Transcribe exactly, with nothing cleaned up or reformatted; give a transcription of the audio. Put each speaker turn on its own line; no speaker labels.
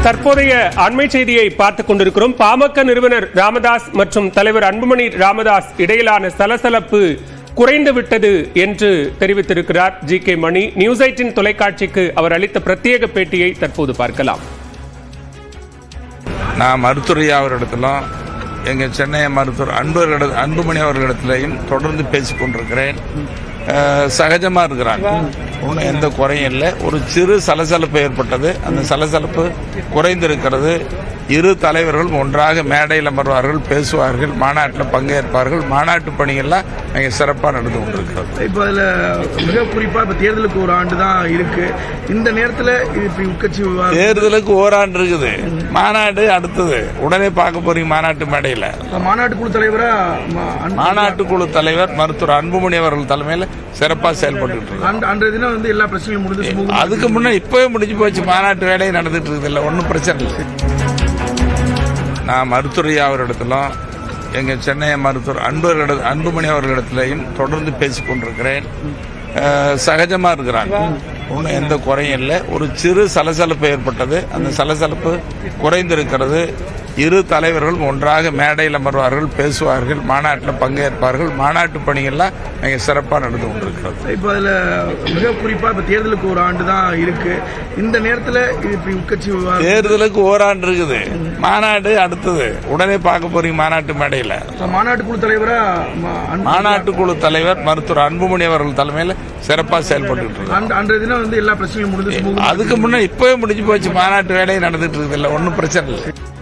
தற்போதைய அண்மை செய்தியை பார்த்துக் கொண்டிருக்கிறோம். பாமக நிறுவனர் ராமதாஸ் மற்றும் தலைவர் அன்புமணி ராமதாஸ் இடையிலான சலசலப்பு குறைந்து விட்டது என்று தெரிவித்திருக்கிறார் G K Mani. News eighteen தொலைக்காட்சிக்கு அவர் அளித்த பிரத்யேக பேட்டியை தற்போது பார்க்கலாம்.
நான் மருத்துவரையா அவரிடத்திலும் எங்கள் சென்னை மருத்துவர் அன்பு அன்புமணி அவர்களிடத்திலையும் தொடர்ந்து பேசிக் கொண்டிருக்கிறேன். சகஜமா இருக்கிறாங்க, ஒன்றும் எந்த குறையும் இல்லை. ஒரு சிறு சலசலப்பு ஏற்பட்டது, அந்த சலசலப்பு குறைந்திருக்கிறது. இரு தலைவர்கள் ஒன்றாக மேடையில் அமர்வார்கள், பேசுவார்கள், மாநாட்டில் பங்கேற்பார்கள். மாநாட்டு பணிகள்லாம் மிக சிறப்பாக நடந்து கொண்டிருக்கிறது.
இப்போ அதில் மிக குறிப்பாக இப்போ தேர்தலுக்கு ஒரு ஆண்டு தான் இருக்கு. இந்த நேரத்தில் இப்படி உட்கட்சி
தேர்தலுக்கு ஓராண்டு இருக்குது, மாநாடு அடுத்தது. உடனே பார்க்க போறீங்க மாநாட்டு மேடையில்.
மாநாட்டு குழு தலைவரா
மாநாட்டு குழு தலைவர் மருத்துவர் அன்புமணி அவர்கள் தலைமையில் சிறப்பாக செயல்பட்டு
அன்றைய தினம் வந்து எல்லா பிரச்சனையும் முடிஞ்சு,
அதுக்கு முன்னே இப்பவே முடிஞ்சு போச்சு. மாநாட்டு வேலையை நடந்துட்டு இருக்குது, இல்லை ஒன்றும் பிரச்சனை இல்லை. நான் மருத்துவரையா அவரிடத்திலும் எங்கள் சென்னை மருத்துவர் அன்பு அன்புமணி அவர்களிடத்திலையும் தொடர்ந்து பேசிக் கொண்டிருக்கிறேன். சகஜமா இருக்கிறாங்க, ஒன்றும் எந்த குறையும் இல்லை. ஒரு சிறு சலசலப்பு ஏற்பட்டது, அந்த சலசலப்பு குறைந்திருக்கிறது. இரு தலைவர்கள் ஒன்றாக மேடையில் அமர்வார்கள், பேசுவார்கள், மாநாட்டில் பங்கேற்பார்கள். மாநாட்டு பணிகள்லாம் மிக சிறப்பாக நடந்து கொண்டிருக்கிறது.
இப்போ அதில் மிக குறிப்பாக இப்போ தேர்தலுக்கு ஒரு ஆண்டு தான் இருக்கு. இந்த நேரத்தில் இப்படி உட்கட்சி
தேர்தலுக்கு ஓராண்டு இருக்குது, மாநாடு அடுத்தது. உடனே பார்க்க போறீங்க மாநாட்டு மேடையில்.
மாநாட்டு குழு தலைவரா
மாநாட்டு குழு தலைவர் மருத்துவர் அன்புமணி அவர்கள் தலைமையில் சிறப்பாக செயல்பட்டு
அன்றைய தினம் வந்து எல்லா பிரச்சனையும் முடிஞ்சு,
அதுக்கு முன்னே இப்பவே முடிஞ்சு போச்சு. மாநாட்டு வேலையை நடந்துட்டு இருக்குது, இல்லை ஒன்றும் பிரச்சனை இல்லை.